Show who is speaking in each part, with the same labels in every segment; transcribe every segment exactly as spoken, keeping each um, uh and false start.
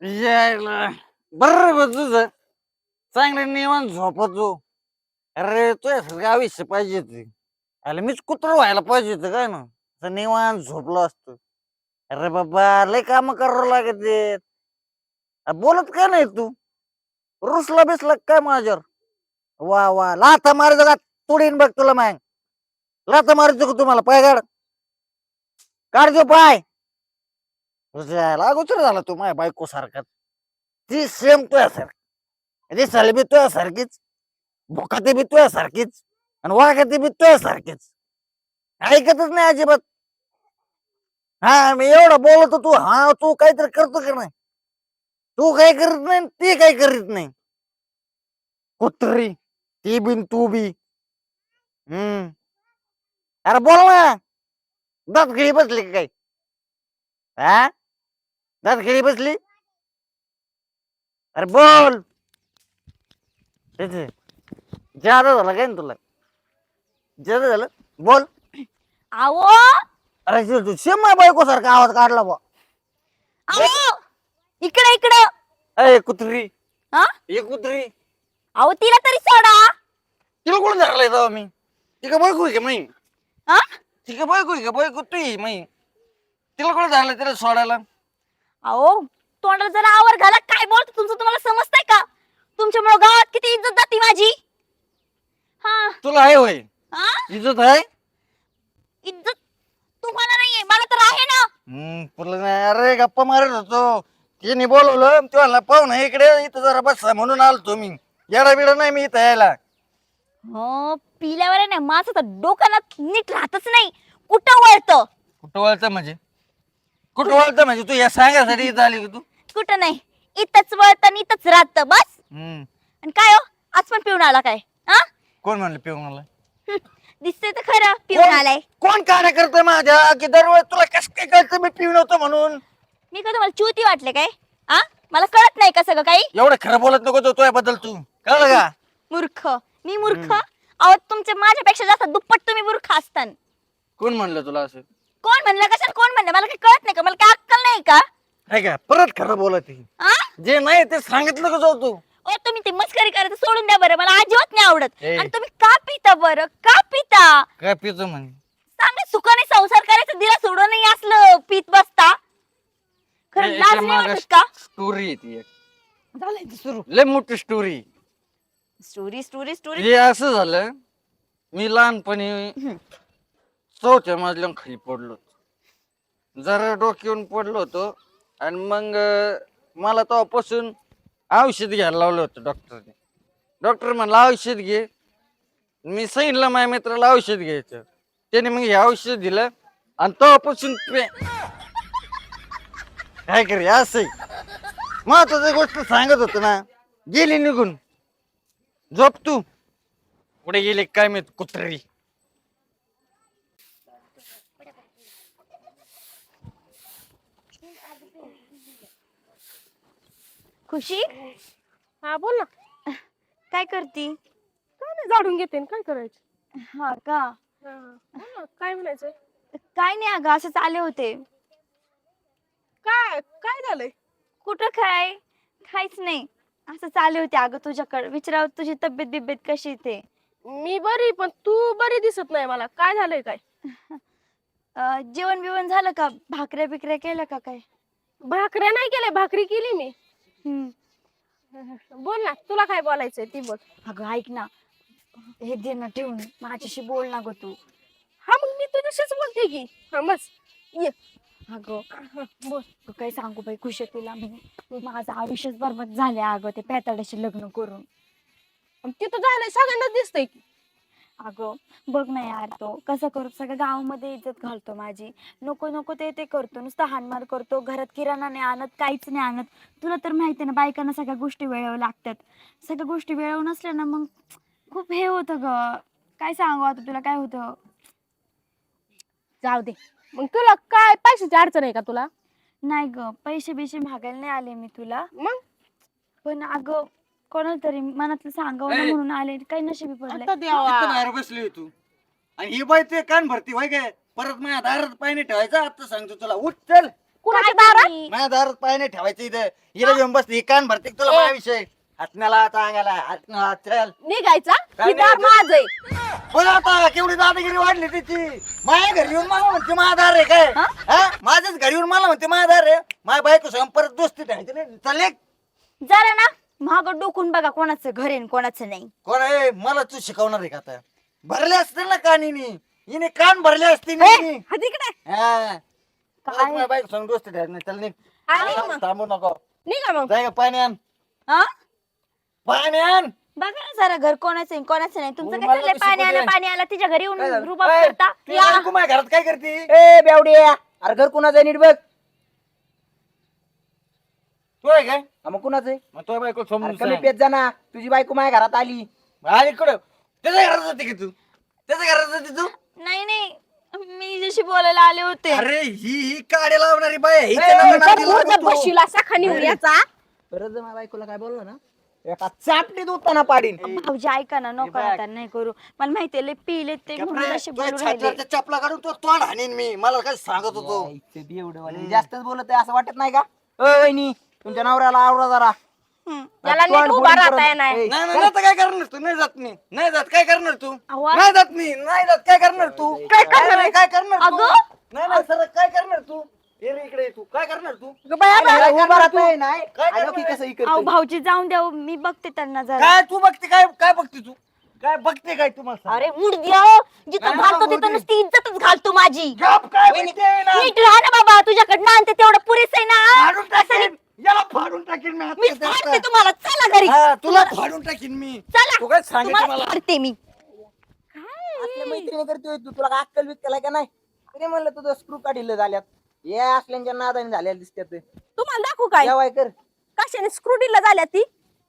Speaker 1: यायला बरं बरं तुझं चांगलं निवांत झोपतो. अरे तुझ्यासारखं आयुष्य पाहिजे ते. अरे मीच कुत्र व्हायला पाहिजे होतं काय ना असं निवांत झोपलो असतो. अरे बाबा लय काम करावं लागत. बोलत का नाही तू? रुसला बिसला काय माझ्यावर? वा वा लाथा मारायचं का? तुडीन बघ तुला मग. लाथा मारायचं का तुम्हाला? पाय काढ. काढ पाय. तुझ्या अगोदर झाला तू माझ्या बायको सारखा. ती सेम तुझ्यासारखी दिसायला बी तुझ्यासारखीच, भुकाती बी तुझ्यासारखीच आणि वागाती बी तुझ्यासारखीच. ऐकतच नाही अजिबात. हा मी एवढं बोलतो तू हा तू काहीतरी करतो का नाही? तू काही करत नाही ती काही करीत नाही. कुत्री ती बिन तू बी. हम्म अरे बोल ना. दात खिळी बसली का काय? हा दात खिळी बसली. अरे बोल. जादा झालं काय ना तुला? जादा झालं बोल.
Speaker 2: आवो
Speaker 1: अरे तू सेम बायको सारखा आवाज काढला बा.
Speaker 2: आवो इकडे इकडे.
Speaker 1: अय कुत्री
Speaker 2: हा
Speaker 1: ये कुत्री.
Speaker 2: अहो तिला तरी सोडा.
Speaker 1: तिला कोण धरलाय तेव्हा मी? ती का बायको आहे का मी?
Speaker 2: हा
Speaker 1: ती का बायको आहे का? बायको तू आहे मी. तिला कोण धरलाय तिला सोडायला?
Speaker 2: अहो तोंडाला जरा आवर घाला. काय बोलतो तुमचं तुम्हाला समजतंय का? तुमच्यामुळे गावात किती इज्जत जाती माझी. हा
Speaker 1: तुला आहे होय
Speaker 2: हा
Speaker 1: इज्जत आहे?
Speaker 2: इज्जत तुम्हाला नाहीये मला तर आहे ना.
Speaker 1: हम्म तुला नाही. अरे गप्पा मारत होतो. तिने बोलवलं तुला पाहून इकडे इथं जरा बसा म्हणून आलतो मी. येडा बिडा नाही मी इथं यायला.
Speaker 2: हो पिल्यावर आहे ना माझं तर डोक्याला नीट राहतच नाही. कुठं वळतं
Speaker 1: कुठं वळतं म्हणजे? कुठं वळतं म्हणजे तू या सांगायसाठी इथं आली का तू?
Speaker 2: कुठं नाही. इथंच वळतं आणि इथंच राहतं बस.
Speaker 1: हम्म
Speaker 2: आणि काय हो आज पण पिऊन आला काय? हा
Speaker 1: कोण म्हणलं पिऊ मला?
Speaker 2: दिसतंय तर खरं पिऊन आलाय.
Speaker 1: कोण कार्य करतोय माझ्या की दरवेळेस तुला कस काय कळतं मी पिऊ नव्हतो म्हणून?
Speaker 2: मी का तुम्हाला चुती वाटले काय? आ मला कळत नाही का सगळं काही?
Speaker 1: एवढं खरं बोलत नको तो बद्दल तू. कळलं का?
Speaker 2: मूर्ख मी मूर्ख? अहो तुमच्या माझ्यापेक्षा जास्त दुप्पट तुम्ही मूर्ख असतान.
Speaker 1: कोण म्हणलं तुला असं?
Speaker 2: कोण म्हणलं कशाला कोण म्हणलं? मला काही कळत नाही का? मला काय अक्कल नाही का?
Speaker 1: आहे का परत खरं बोलत आहे.
Speaker 2: आ
Speaker 1: जे नाही ते सांगितलं का जाऊ तू?
Speaker 2: ओ तुम्ही ते मस्करी करायचं सोडून द्या बरं. मला अजिबात नाही आवडत.
Speaker 1: ए.
Speaker 2: आणि तुम्ही का पिता बरं? का पिता?
Speaker 1: काय पितो म्हणे?
Speaker 2: चांगलं सुखाने संसार करायचं दिला सोडून नाही असलं पीत बसता. खरं लाज नाही वाटत का?
Speaker 1: स्टोरी आहे ती एक.
Speaker 2: झालंय सुरू.
Speaker 1: लय मोठी स्टोरी.
Speaker 2: Story story story.
Speaker 1: हे असं झालं मी लहानपणी चौथ्या मजल्यावर खाली पडलो होतो. जरा डोक्यावरून पडलो होतो आणि मग मला तेव्हापासून औषध घ्यायला लावलं होतं डॉक्टरने. डॉक्टर म्हणला औषध घे. मी सांगितलं माझ्या मित्राला औषध घ्यायचं. त्याने मग हे औषध दिलं आणि तेव्हापासून पे काय करे असं महत्वाची गोष्ट सांगत होतो ना. गेली निघून. झोप तू. कुठे गेली काय मी कुत्री.
Speaker 2: खुशी
Speaker 3: हा बोल ना.
Speaker 2: काय करती?
Speaker 3: काय नाही झाडून घेते न, काय करायचं?
Speaker 2: हा का?
Speaker 3: हा, बोल ना, काय म्हणायचंय?
Speaker 2: काय नाही अगं असंच आले होते.
Speaker 3: काय काय झालंय?
Speaker 2: कुठं काय? काहीच नाही. असंच आले होते अगं तुझ्याकडे विचारावं तुझी तब्येत बिब्येत कशी ते.
Speaker 3: मी बरी पण तू बरी दिसत नाही मला. काय झालंय काय?
Speaker 2: अं, जेवण बिवण झालं का? भाकऱ्या बिकऱ्या केल्या का काय?
Speaker 3: भाकऱ्या नाही केल्या, भाकरी केली मी.
Speaker 2: हम्म.
Speaker 3: बोल ना, तुला काय बोलायचंय ती बोल.
Speaker 2: अगं ऐक ना. हे दे ना ठेवून माझ्याशी बोल ना ग तू.
Speaker 3: हा मग मी तुझ्याशीच बोलते की. हा बस ये.
Speaker 2: अगं
Speaker 3: हा, बोल.
Speaker 2: अगं, काय सांगू बाई खुशी तुला मी. माझं आयुष्यच बरबाद झाले अगं ते पेताड्याशी लग्न करून.
Speaker 3: आणि तिथं झालंय सगळ्यांना दिसतंय की.
Speaker 2: अगं बघ ना यार तो कसं करतो सगळ्या गावामध्ये इज्जत घालतो माझी. नको नको ते ते करतो नुसतं हाणमार करतो. घरात किराणा नाही आणत काहीच नाही आणत. तुला तर माहिती ना बायकांना सगळ्या गोष्टी वेळेवर लागतात. सगळ्या गोष्टी वेळेवर नसल्या ना मग खूप हे होतं ग. काय सांगू आता तुला काय होतं.
Speaker 3: जाऊ दे. मग तुला काय पैशाची अडचण आहे का तुला?
Speaker 2: नाही ग पैसे बिशे मागायला नाही आले मी तुला.
Speaker 3: मग
Speaker 2: पण अगं कोणाला तरी मनातलं सांगावं ना
Speaker 1: ए.
Speaker 2: म्हणून आले. काही नशिबी पडले.
Speaker 3: आता
Speaker 1: इथं
Speaker 3: देवा.
Speaker 1: बाहेर बसली तू आणि ही बाई ते कान भरती व्हाय काय परत माझ्या दारात पाय नाही ठेवायचा. आता सांगतो तुला उठ चल.
Speaker 3: कुणाच्या
Speaker 2: काय
Speaker 3: दारात
Speaker 2: तुम्ही?
Speaker 1: माझ्या दारात पाय नाही ठेवायचं इथं हिला घेऊन बसते कान भरते का तुला
Speaker 3: ए.
Speaker 1: माझ्या विषय हातण्याला चांगाला हातण्याला चल
Speaker 3: निघायचा
Speaker 1: काय
Speaker 3: ही दार
Speaker 1: निघायचं?
Speaker 3: माझ आहे.
Speaker 1: बघ आता केवढी दादागिरी वाढली तिची माझ्या घरी येऊन मला म्हणते माझा दार आहे काय
Speaker 2: हा?
Speaker 1: हा? माझ्याच घरी येऊन मला म्हणते माझा दार आहे माझ्या बायको संग परत दोस्ती ठेवायची नाही चालले
Speaker 2: जरा ना महाग डोकून बघा कोणाचं घर आहे आणि कोणाचं नाही.
Speaker 1: कोण आहे मला तू शिकवणार आहे का आता भरले असते ना कानीनी हिने कान भरले असते
Speaker 3: ए, हा तिकडे
Speaker 1: हा
Speaker 2: काय?
Speaker 1: माझ्या बायको संग दोस्ती ठेवायची नाही चल निघ.
Speaker 3: हा, निघ मग.
Speaker 1: थांबू नको
Speaker 3: निघा मग.
Speaker 1: जाय का पाणी आण
Speaker 2: हा
Speaker 1: पाणी आण
Speaker 2: बघा ना जरा घर कोणाचं आहे कोणाचं नाही तुमचं
Speaker 1: तू
Speaker 2: काय
Speaker 1: मला
Speaker 2: चाललंय
Speaker 1: कशी
Speaker 2: पाणी आलं
Speaker 1: बोलते?
Speaker 2: पाणी आलं तिच्या घरी
Speaker 1: काय
Speaker 2: येऊन
Speaker 1: झालं?
Speaker 2: रुबाब
Speaker 1: ए,
Speaker 2: करता
Speaker 1: तू
Speaker 2: या.
Speaker 1: बायको माझ्या घरात काय करते
Speaker 4: ए बेवड्या अरे घर कुणाचं आहे नीट बघ
Speaker 1: तू आहे काय
Speaker 4: हा, मग कुणाचं आहे
Speaker 1: मग तो बायको
Speaker 4: अरे
Speaker 1: समजून
Speaker 4: कमी
Speaker 1: सांग.
Speaker 4: पेत जा ना तुझी बायको माझ्या घरात आली
Speaker 1: आणि कुठं त्याच्या घरात जाते की तू त्याच्या घरात जाते तू
Speaker 2: नाही नाही मी जशी बोलायला आले होते.
Speaker 1: अरे ही ही काड्या लावणारी बाय आहे. हिच्या
Speaker 4: ए,
Speaker 1: नावानं
Speaker 4: तर
Speaker 1: नादी
Speaker 3: मूर्त
Speaker 1: लागतो.
Speaker 3: बसशील असा खाली याचा
Speaker 4: परत जर माझ्या बायकोला काय बोललो ना एका चापटीत उत्ताना पाडीन
Speaker 2: भाऊजी ऐका ना नको
Speaker 1: बघ.
Speaker 2: आता नाही करू मला माहितीये लय पिले ते म्हणून
Speaker 1: कपडे,
Speaker 2: असे
Speaker 1: तुझ्या
Speaker 2: बोलू राहिले.
Speaker 1: छातीवरच्या चपला काढून तो तोंड हाणीन मी मला काय सांगत होतो
Speaker 4: यायचं बेवडं जास्तच बोलत आहे असं वाटत नाही का ओ वहिनी तुमच्या नवऱ्याला आवडा जरा
Speaker 2: हम्म.
Speaker 3: त्याला
Speaker 4: तोंड
Speaker 3: नीट उभा
Speaker 4: फोडून
Speaker 3: राहता
Speaker 4: परत-
Speaker 3: येणार
Speaker 4: ए,
Speaker 1: नाही नाही आता काय करणार तू नाही जात मी नाही जात काय करणार तू
Speaker 2: अहो,
Speaker 1: नाही जात मी नाही जात काय करणार तू
Speaker 3: काय करणार
Speaker 1: नाही, काय करणार तू
Speaker 2: अगं?
Speaker 1: नाही नाही सर काय करणार तू ये रे इकडे ये तू काय करणार तू
Speaker 3: बाया
Speaker 4: अरे,
Speaker 3: बाया.
Speaker 4: उभा राहता येई नाही
Speaker 1: काय
Speaker 4: आलं की
Speaker 1: करणार?
Speaker 4: कसं
Speaker 2: अहो
Speaker 4: इकडं
Speaker 2: भाऊजी जाऊन द्या हो, मी बघते त्यांना जरा.
Speaker 1: काय तू बघते काय काय बघते तू काय बघते काय तू मला सांग.
Speaker 2: अरे मुडद्या जिथं
Speaker 1: नाही,
Speaker 2: घालतो
Speaker 1: नाही,
Speaker 2: तिथं
Speaker 1: भाऊजी.
Speaker 2: नुसती इज्जतच घालतो माझी.
Speaker 1: गप काय बघते ना?
Speaker 2: नीट राहा ना बाबा तुझ्याकडनं आणते तेवढं पुरेस आहे ना.
Speaker 1: फाडून टाकीन याला फाडून टाकीन मी
Speaker 2: मी
Speaker 1: हात
Speaker 2: फाडते तुम्हाला चला घरी.
Speaker 1: हा, तुला फाडून टाकीन मी
Speaker 2: चला
Speaker 1: तू काय सांगितलं
Speaker 2: तुम्हाला
Speaker 1: मला
Speaker 2: फाडते मी.
Speaker 4: असल्या मैत्रिणी करतोय तू तुला काय अक्कल बिक्कल आहे का नाही तरी म्हणलं तुझं स्क्रू काढिलं झाल्यात या असल्यांच्या नादाने झाल्या दिसत्यात
Speaker 3: तुम्हाला दाखवू काय
Speaker 4: जेवाय कर
Speaker 3: कशाने स्क्रूडीला झाल्या ती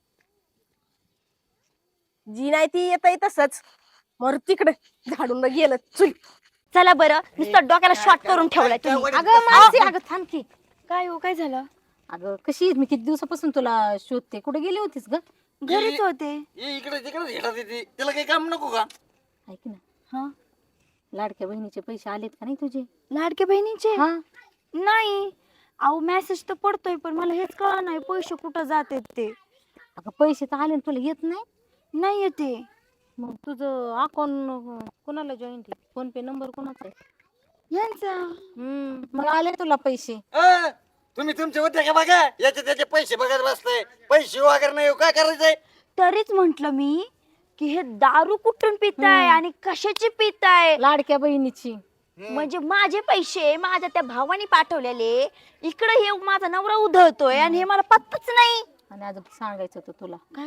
Speaker 3: जी नाही ती येत तसंच मर तिकडे झाडून गेलं चुई.
Speaker 2: चला बरं नुसतं डोक्याला शॉर्ट करून ठेवलाय तुम्ही.
Speaker 1: काय-
Speaker 5: अगं मानसी अगं थांब की
Speaker 2: काय हो काय झालं
Speaker 5: अगं कशी आहेस? मी किती दिवसापासून तुला शोधते कुठे गेली होतीस ग
Speaker 2: घरीच होते.
Speaker 1: ये इकडे तिकडे येतात येते त्याला काही काम नको का
Speaker 5: ऐक ना
Speaker 2: हा
Speaker 5: लाडक्या बहिणीचे पैसे आलेत का नाही तुझे
Speaker 2: लाडके बहिणीचे
Speaker 5: हा
Speaker 2: नाही अहो मेसेज तर पडतोय पण मला हेच कळा नाही पैसे कुठं जातात ते
Speaker 5: अगं पैसे तर आले आणि तुला येत नाही
Speaker 2: नाही येते.
Speaker 5: मग तुझं अकाउंट कोणाला जॉईंट आहे फोन पे नंबर कोणाचा आहे
Speaker 2: यांचा
Speaker 5: हम्म मग आले तुला पैसे
Speaker 1: अ, तुम्ही तुमचे होते का बघा याचे त्याचे पैसे बघत बसताय पैसे वगैरे नाही हो, काय करायचंय
Speaker 2: तरीच म्हंटल मी की हे दारू कुठून पिताय आणि कशाची पिताय
Speaker 5: लाडक्या बहिणीची
Speaker 2: म्हणजे माझे पैसे माझ्या त्या भावाने पाठवलेले इकडे हे माझा नवरा उधळतोय आणि हे मला पत्ताच नाही.
Speaker 5: आणि अजून सांगायचं होतं तुला
Speaker 2: काय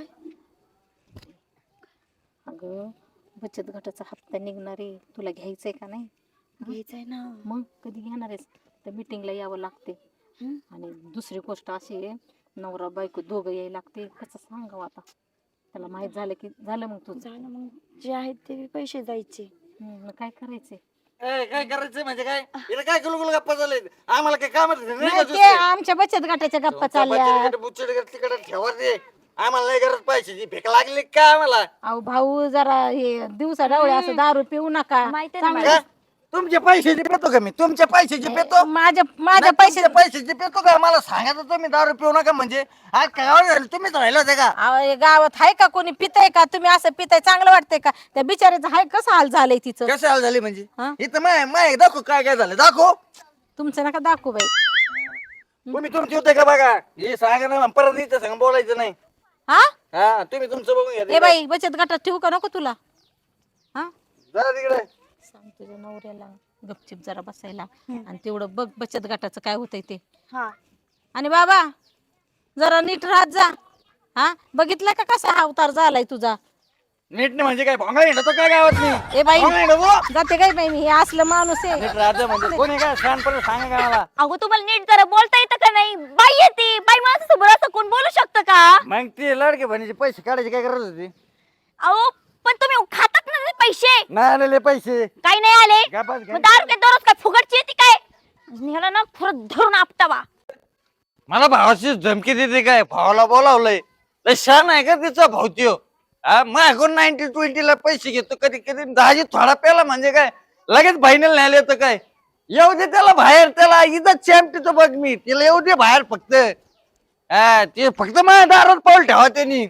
Speaker 5: अगं बचत गटाचा हप्ता निघणार आहे तुला घ्यायचंय का नाही
Speaker 2: घ्यायचंय ना.
Speaker 5: मग कधी घेणार आहेस तर मीटिंगला यावं लागते
Speaker 2: हम्म.
Speaker 5: आणि दुसरी गोष्ट अशी आहे नवरा बायको दोघं यायला लागते कसं सांगावं आता त्याला माहित झालं की झालं मग तुझं
Speaker 2: झालं मग जे आहेत ते पैसे जायचे.
Speaker 5: हम्म, मग काय करायचंय
Speaker 1: ए, काय करायचंय म्हणजे काय इथं काय गुलगुल गप्पा झाले आम्हाला काय काम
Speaker 5: नाही, ते आमच्या बचत गटाच्या गप्पा चालल्या
Speaker 1: तिकडे ठेवा दे आम्हाला नाही गरज पैशाची भेक लागली का आम्हाला
Speaker 5: अहो भाऊ जरा हे दिवसा डावळे असं दारू पिऊ नका
Speaker 2: माहिती आहे ना
Speaker 5: चांगलं-
Speaker 1: का? तुमचे पैशाचे पेतो का मी तुमच्या पैशाचे पेतो
Speaker 5: माझ्या माझ्या
Speaker 1: नाही,
Speaker 5: पैसे
Speaker 1: तुमच्या पैशाचे पेतो का मला सांगायचं तुम्ही दारू पिऊ नका म्हणजे आज काय झालं तुम्हीच राहिलं होते का
Speaker 5: अहो, हे गावात आहे का कोणी पिताय का तुम्ही असं पिताय चांगलं वाटतंय का त्या बिचाऱ्याचं हाय कसं हाल झालंय तिचं
Speaker 1: कसे हाल झाले म्हणजे
Speaker 5: हा?
Speaker 1: इथं माय माय दाखव काय काय झालं दाखव
Speaker 5: तुमचं नका दाखवू बाई
Speaker 1: तुम्ही तुमचे होते का बघा हे सांगा ना परत इथं सांग बोलायचं नाही
Speaker 5: हा
Speaker 1: हा तुम्ही तुमचं बघून घ्या
Speaker 5: ए
Speaker 1: तिकडे.
Speaker 5: बाई बचत गटात ठेवू का नको तुला हा
Speaker 1: जरा तिकडे
Speaker 5: सांग तुझ्या नवऱ्याला गपचिप जरा बसायला आणि तेवढं बघ बचत गटाचं काय होतंय ते
Speaker 2: हा
Speaker 5: आणि बाबा जरा नीट राहत जा हा बघितलं का कसा अवतार झालाय तुझा
Speaker 1: नीट नाही म्हणजे काय भोंगा येणं तो काय गावात नाही
Speaker 5: ए बाई
Speaker 1: भोंगा येणं तो?
Speaker 5: जाते काय बाई मी हे असलं माणूस आहे
Speaker 1: नीट राहतं म्हणजे कोणी काय शहाणपणे सांगा का मला
Speaker 2: अगो तुम्हाला नीट जरा बोलता येतं का नाही बाई येते बाई माझ्यासमोर असं कोण बोलू शकतं का.
Speaker 1: मग ते लाडके बहिणीचे पैसे काढायचे काय गरज होती
Speaker 2: अहो पण तुम्ही खातात ना ते पैसे
Speaker 1: नाही आलेले पैसे
Speaker 2: काही नाही आले
Speaker 1: काय बस
Speaker 2: मग दारू काय दररोज काय फुगटची येते काय निघाला ना फुरत धरून आपटावा.
Speaker 1: मला भावाची धमकी देते काय भावाला बोलावलंय लय छान आहे का तिचा भाऊ त्यो हा माझ्याकडून नाईन्टी ट्वेंटी ला पैसे घेतो कधी कधी दहाजी थोडा प्याला म्हणजे काय लगेच बहिणीला न्यायला येतं काय येऊ दे त्याला बाहेर, त्याला इथं चॅम्पियन बघ मी, तिला येऊ दे बाहेर फक्त. हा ते फक्त माझ्या दारात पाऊल ठेवा त्यांनी.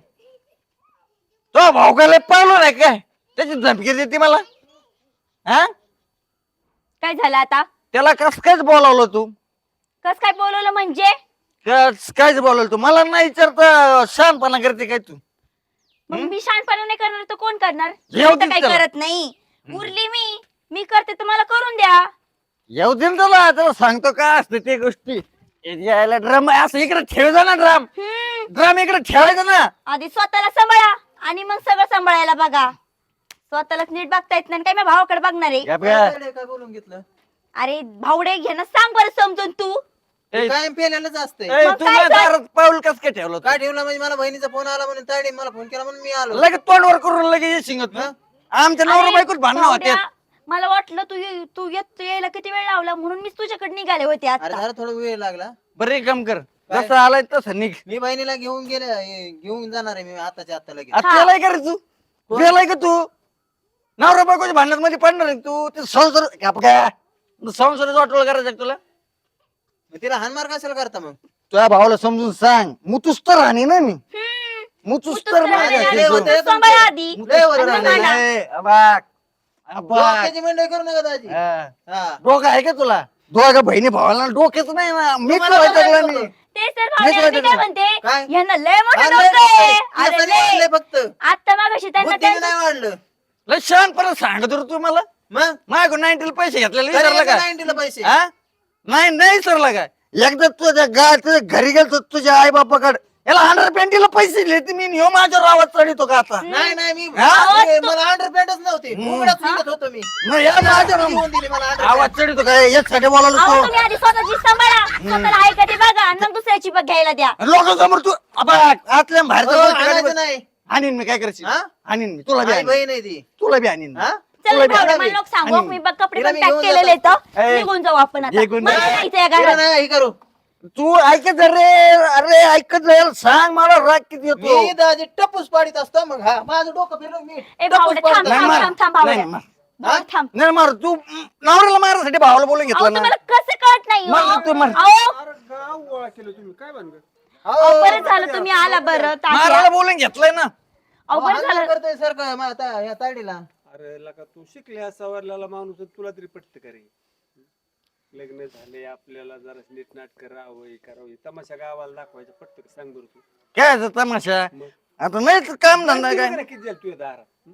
Speaker 1: तो भाऊ काय पावलं नाही काय, त्याची धमकी देते मला. हा
Speaker 2: काय झालं आता?
Speaker 1: त्याला कस कायच बोलावलं तू,
Speaker 2: कस काय बोलवलं म्हणजे?
Speaker 1: कस कायच बोलावलं तू, मला नाही विचारता शहाणपणा करते काय तू.
Speaker 2: मग मी शानपणा नाही करणार तर कोण करणार?
Speaker 1: येऊ
Speaker 2: मी तर
Speaker 1: दे
Speaker 2: काही
Speaker 1: त्याला.
Speaker 2: करत नाही. उरली मी मी करते तर मला करून द्या.
Speaker 1: येऊ दे ना त्याला, त्याला सांगतो काय असते ते गोष्टी. यायला ड्रम असं इकडे ठेवायचा ना, ड्रम
Speaker 2: हम्म.
Speaker 1: ड्रम इकडे ठेवायचा ना.
Speaker 2: आधी स्वतःला सांभाळा आणि मग सगळं सांभाळायला बघा. स्वतःलाच नीट बघता येत नाही काय मी भावाकडे बघणार आहे?
Speaker 1: या बघा.
Speaker 4: काय काय बोलून घेतलं?
Speaker 2: अरे भावडे घे ना, सांग बरं समजून तू.
Speaker 1: ए,
Speaker 4: कायम पेलेलंच असतंय.
Speaker 1: ए,
Speaker 2: मग
Speaker 1: तू
Speaker 2: काय
Speaker 1: माझ्या
Speaker 2: कर?
Speaker 1: दारात पाऊल कस काय ठेवलं
Speaker 4: काय ठेवलं म्हणजे मला बहिणीचा फोन आला म्हणून ताडी मला फोन केला म्हणून मी आलो.
Speaker 1: लगेच तोंडवर करून लगेच येशील तू. आमच्या नवरा
Speaker 2: अरे,
Speaker 1: बायकोच भांडणं होते.
Speaker 2: भावड्या, मला वाटलं तू ये- तू येत यायला किती वेळ लावला म्हणून मी तुझ्याकडे निघाले होते
Speaker 4: अरे
Speaker 2: आता.
Speaker 4: जरा थोडा वेळ लागला.
Speaker 1: बरं एक काम कर,
Speaker 4: काय?
Speaker 1: जसं आलाय तसं निघ.
Speaker 4: मी बहिणीला घेऊन गेले ए, घेऊन जाणार आहे मी आताच्या आता लगेच.
Speaker 1: आता त्यालाय का रे तू, गेलाय का तू नवरा बायकोच्या भांडणात मध्ये पडणार आहे तू. ते संसार काय संसाराचं वाटोळ करायचं का तुला.
Speaker 4: मग तिला हानमार कशाला करता मग?
Speaker 1: तुझ्या भावाला समजून सांग, मुतूस तर राहणी ना मी,
Speaker 2: हम्म.
Speaker 1: मुतूस
Speaker 2: तू
Speaker 1: तर
Speaker 2: तर
Speaker 1: माझ्या
Speaker 2: राहणे
Speaker 1: शिजू.
Speaker 4: होते.
Speaker 2: सांभाळ आधी.
Speaker 4: लय वर
Speaker 2: आणि
Speaker 4: राहणे.
Speaker 2: मग मला.
Speaker 1: ए, अबाक, अबाक.
Speaker 4: डोक्याची मंडई करू नका दाजी.
Speaker 1: हा.
Speaker 4: हा.
Speaker 1: डोकं आहे का तुला? दोघा बहिणी भावाला डोक्याच नाही ना. मी
Speaker 4: तुम्हाला
Speaker 1: तुला
Speaker 4: काय
Speaker 1: लागला मी.
Speaker 4: होतं?
Speaker 2: ते सर
Speaker 1: नाही
Speaker 2: भावड्या मी
Speaker 1: वाटत
Speaker 2: काय
Speaker 1: मला.
Speaker 2: म्हणते
Speaker 4: काय?
Speaker 2: यांना लय मोठं
Speaker 4: अरे,
Speaker 2: डोकं आहे.
Speaker 4: केस
Speaker 2: अरे
Speaker 4: नाही
Speaker 2: लय.
Speaker 4: वाढले फक्त.
Speaker 2: आता मागाशी त्यांना
Speaker 4: बुद्धीने
Speaker 2: त्यांचं-
Speaker 4: नाही वाढलं.
Speaker 1: लय शान परत सांगत होतो तू मला.
Speaker 4: मग
Speaker 1: माझ्याकडून नाईन्टीला पैसे घेतलेले
Speaker 4: तरी
Speaker 1: विसरला
Speaker 4: याचं
Speaker 1: का?
Speaker 4: नाईन्टीला पैसे.
Speaker 1: हा? नाही नाही विसरला का? एकदा तुझ्या गा तुझ्या घरी गेलतो तुझ्या आई बापाकडे, याला हंड्रेड पेंटीला पैसे दिले मी, ह्यो माझ्यावर आवाज चढितो का आता?
Speaker 4: नाही नाही मी
Speaker 1: हा?
Speaker 4: ए, मला अंडरपॅन्टच नव्हते. उघडच निघत होतो मी.
Speaker 1: मग या माझ्या
Speaker 4: घेऊन दिली मला underpant.
Speaker 1: आवाज चढितो काय? यासाठी बोलावलं
Speaker 2: अहो,
Speaker 1: तू.
Speaker 2: तुम्ही आधी स्वतःची सांभाळा, स्वतःला आहे का ते बघा आणि मग दुसऱ्याची बघ घ्यायला द्या.
Speaker 1: लोकांसमोर तू अबा आतल्या
Speaker 4: हो,
Speaker 1: बाहेरच्या
Speaker 4: आणायचं
Speaker 1: गोष्टी
Speaker 4: नाही.
Speaker 1: आणीन मी, काय करशील?
Speaker 4: हा?
Speaker 1: आणीन मी तुला बी
Speaker 4: आई
Speaker 1: आणीन.
Speaker 4: बहीण आहे ती.
Speaker 1: तुला बी आणीन मी.
Speaker 4: हा?
Speaker 2: चल
Speaker 1: तुला बी
Speaker 2: भावड्या,
Speaker 4: आणा
Speaker 2: मला
Speaker 4: मी.
Speaker 2: नको सांगू
Speaker 1: आणि-
Speaker 2: मी बघ कपडे
Speaker 4: तिला
Speaker 2: पण
Speaker 4: मी
Speaker 2: पॅक
Speaker 4: घेऊन
Speaker 2: केलेले
Speaker 4: जातो.
Speaker 2: आहेत.
Speaker 1: ए,
Speaker 2: निघून जाऊ आपण आता.
Speaker 1: निघून
Speaker 2: मला
Speaker 1: जा.
Speaker 2: जायचंय या
Speaker 4: तिला
Speaker 2: घरात.
Speaker 4: नाही हे करू.
Speaker 1: तू ऐकत जा रे, अरे ऐकत जाईल, सांग मला राग किती येतो.
Speaker 4: मी दाजी टपूस पाडीत असतो मग हा माझं डोकं फिरलं मी
Speaker 2: ए
Speaker 4: टपूस
Speaker 2: भावड्या,
Speaker 4: पाडीत
Speaker 2: थांब
Speaker 1: नाही
Speaker 4: असतो.
Speaker 2: थांब
Speaker 1: मार.
Speaker 2: थांब थांब
Speaker 1: नाही
Speaker 2: भावड्या.
Speaker 1: मार.
Speaker 2: भावड्या, थांब.
Speaker 1: नाही मार तू, नवऱ्याला मारायसाठी भावाला बोलून
Speaker 2: अहो,
Speaker 1: घेतलं ना.
Speaker 2: तुम्हाला कसं कळत नाही
Speaker 1: मार
Speaker 2: हो?
Speaker 1: तू, मार.
Speaker 2: अहो,
Speaker 6: अरे गाव गोळा केलं तुम्ही, काय भानगड?
Speaker 2: अहो, बरं झालं तुम्ही आला बरं तात्या.
Speaker 1: मारायला बोलून घेतलंय ना.
Speaker 2: अहो, बरं
Speaker 4: हाणमार
Speaker 2: झालं.
Speaker 4: करतोय सर का मग आता या ताडीला.
Speaker 6: अरे लका तू शिकल्या सवरलेला माणूस आहे, तुला तरी पटत का रे? लग्न झाले आपल्याला जरा नीटनाट करावं हे करावं हे तमाशा गावाला दाखवायचं पटत का? सांग बरं तू.
Speaker 1: काय याचा तमाशा?
Speaker 6: मग?
Speaker 1: आता नाही तर काम धंदा
Speaker 6: किती
Speaker 1: काय.
Speaker 6: बघा ना किती झालं तुझ्या दारात हं?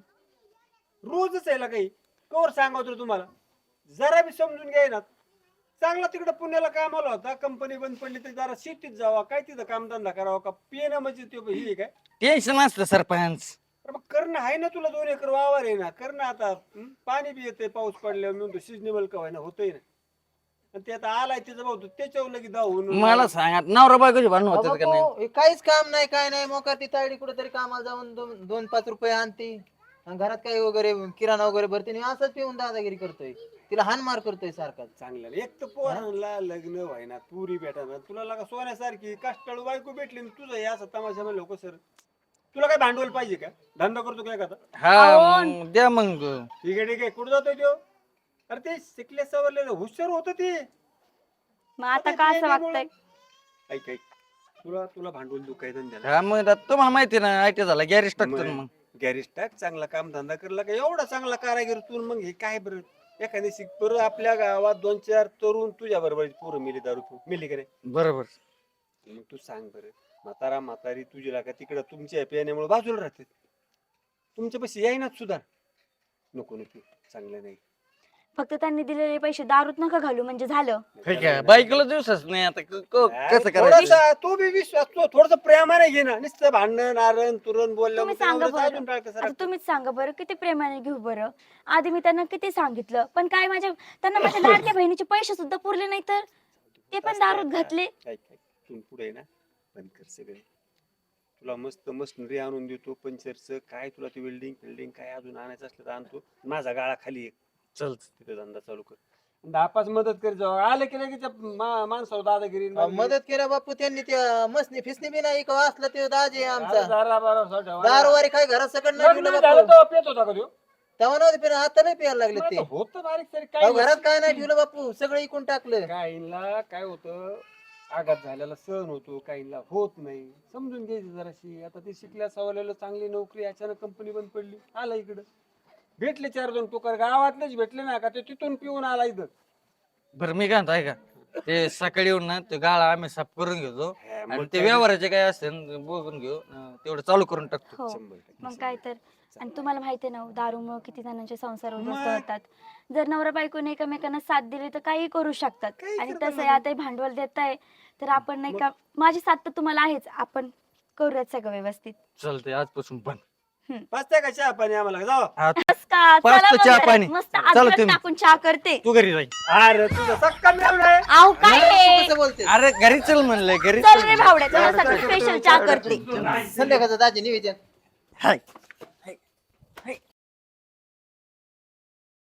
Speaker 6: रोजच आहे काही कवर सांगतो तुम्हाला, जरा बी समजून घ्याय ना. चांगला तिकडे पुण्याला कामाला होता, कंपनी बंद पडली तर जरा शेतीत जावा, काय तिथं कामधंदा करावा का? पिणं म्हणजे ते हे काय?
Speaker 1: टेन्शन असतं सरपंच.
Speaker 6: अरे मग करणं आहे ना तुला, दोन एकर वावर आहे ना, करणं आता हं? पाणी बी येते पाऊस पडल्यावर म्हणतो सिजनेबल का ना होतंय ना. आणि ते आता आलाय तिचं भाऊ त्याच्यावर लगेच धावून
Speaker 1: मला सांगा, नवरा बायकोची भांडण
Speaker 4: अहो,
Speaker 1: होतात का नाही?
Speaker 4: बाबा, हे काहीच काम नाही काय नाही मोका ती ताडी कुठेतरी कामाला जाऊन दोन दोन पाच रुपये आणते आणि घरात काही वगैरे किराणा वगैरे भरते आणि असंच पिऊन दादागिरी करतोय. तिला हानमार करतोय सारखा.
Speaker 6: चांगलं नाही. एक तर पोरांना लग्न व्हायना, पुरी भेटाना, तुला लागा सोन्यासारखी कष्टाळू बायको भेटली आणि तुझं हे असं तमाशा म्हणलं लोक सर. तुला काय भांडवल पाहिजे का? धंदा करतो काय का?
Speaker 1: हा मग द्या मग.
Speaker 6: ठीक आहे ठीक आहे, कुठं जातोय तो? अरे ते शिकले सवरले हुशार होत ते.
Speaker 2: मग आता का असं वागतंय?
Speaker 6: ऐक ऐक, तुला तुला भांडवल देऊ काय धंद्याला?
Speaker 1: हा मग आता तुम्हाला माहिती ना, आय टी झाला गॅरेज टाकतो ना मग.
Speaker 6: गॅरेज टाक, चांगला काम धंदा करला का एवढा चांगला कारागीर तू. मग हे काय बरं एखादी शिक बरं, आपल्या गावात दोन चार तरुण तुझ्या बरोबर पोरं मिली दारू पिऊन. मिली का रे?
Speaker 1: बरोबर.
Speaker 6: मग तू सांग बरं, म्हातारा म्हातारी तुझी लागा तिकडं तुमच्या पियाण्यामुळे बाजूला राहते, तुमच्यापाशी येईनाच सुधार. नको नको, चांगलं नाही.
Speaker 2: फक्त त्यांनी दिलेले पैसे दारूत नका घालू म्हणजे झालं.
Speaker 1: ठीक आहे, बायकोला दिवसच नाही आता क- क- कसं करायचं?
Speaker 6: थोडासा तो बी विश्वास, तो थोडस प्रेमाने घे ना. नुसतं भांडण आरण तुरण बोलल्या
Speaker 2: तुम्ही सांगा बरं. आता तुम्हीच सांगा बरं, किती प्रेमाने घेऊ बरं. आधी मी त्यांना किती सांगितलं, पण काय माझ्या त्यांना माझ्या लाडक्या बहिणीचे पैसे सुद्धा पुरले नाही तर ते पण दारूत घातले.
Speaker 6: तू पुढे ना बंद कर सगळे. तुला मस्त मशिनरी आणून देतो, पंचरचं काय तुला ते वेल्डिंग फिल्डिंग काय अजून आणायचं असलं तर आणतो. माझा गाळा खाली एक
Speaker 1: चल
Speaker 6: तिथे धंदा चालू कर. दहा पाच मदत कर जाऊ आले की लगेच मा- माणसावर दादागिरी
Speaker 4: अहो, मदत केल्या बापू त्यांनी त्या मसनी फिसनी बी नाही का असलं ते दाजी आमचा.
Speaker 6: दारा बारा ठेवा.
Speaker 4: दारवारी काय घरात सकड नाही
Speaker 6: लग्न
Speaker 4: ठेवलं
Speaker 6: झालं
Speaker 4: बापू.
Speaker 6: तेव्हा पेत होता का तो?
Speaker 4: तेव्हा नव्हते पिणं आता नाही प्यायला लागले ते
Speaker 6: होत बारीक तरी
Speaker 4: अहो,
Speaker 6: काय
Speaker 4: घरात काय नाही ठेवलं बापू सगळं इकून टाकलं
Speaker 6: काहींना काय होतं आघात झालेला सहन होतो काहींना होत नाही समजून घ्यायचं जराशी आता ते शिकल्या सवरलेलं चांगली नोकरी अचानक कंपनी बंद पडली आला इकडं भेटले चार दोन टोकर गावातलेच भेटले ना का ते तिथून पिऊन आला इथं
Speaker 1: बरं मी काय म्हणतो ऐका ते सकाळी येऊन ना ते गाळा आम्ही साफ करून घेतो आणि ते व्यवहाराचे काय असेल बघून घेऊ अं, तेवढं चालू करून टाकतो
Speaker 2: हो मग काय तर आणि तुम्हाला माहिती आहे ना दारूमुळे किती जणांचे संसार उद्ध्वस्त होतात जर नवरा बायकोने एकमेकांना साथ दिली तर काही करू शकतात
Speaker 6: काही
Speaker 2: आणि
Speaker 6: करता
Speaker 2: तसं आता हे भांडवल देत आहे तर आपण नाही का माझी साथ तर तुम्हाला आहेच आपण करूयात सगळं व्यवस्थित
Speaker 1: चालतंय आजपासून पण
Speaker 6: पाचत्या का चहा पाणी आम्हाला जाऊ
Speaker 2: बस का?
Speaker 1: पाच
Speaker 2: चला
Speaker 1: तर
Speaker 2: मग
Speaker 1: चहा
Speaker 2: घरात.
Speaker 1: पाणी.
Speaker 2: मस्त
Speaker 1: चला
Speaker 2: अद्रक
Speaker 1: तुम्ही.
Speaker 2: टाकून चहा करते
Speaker 1: तू घरी जाई
Speaker 6: अरे तुझं सक्का मिळवलं आहे
Speaker 2: आव काय आहे?
Speaker 4: कसं बोलते
Speaker 1: अरे घरी चल म्हणलंय घरी
Speaker 2: चल रे भावड्या तुला सगळं स्पेशल चहा करते
Speaker 4: संध्याकाळचं दाजी निवेदन
Speaker 1: हाय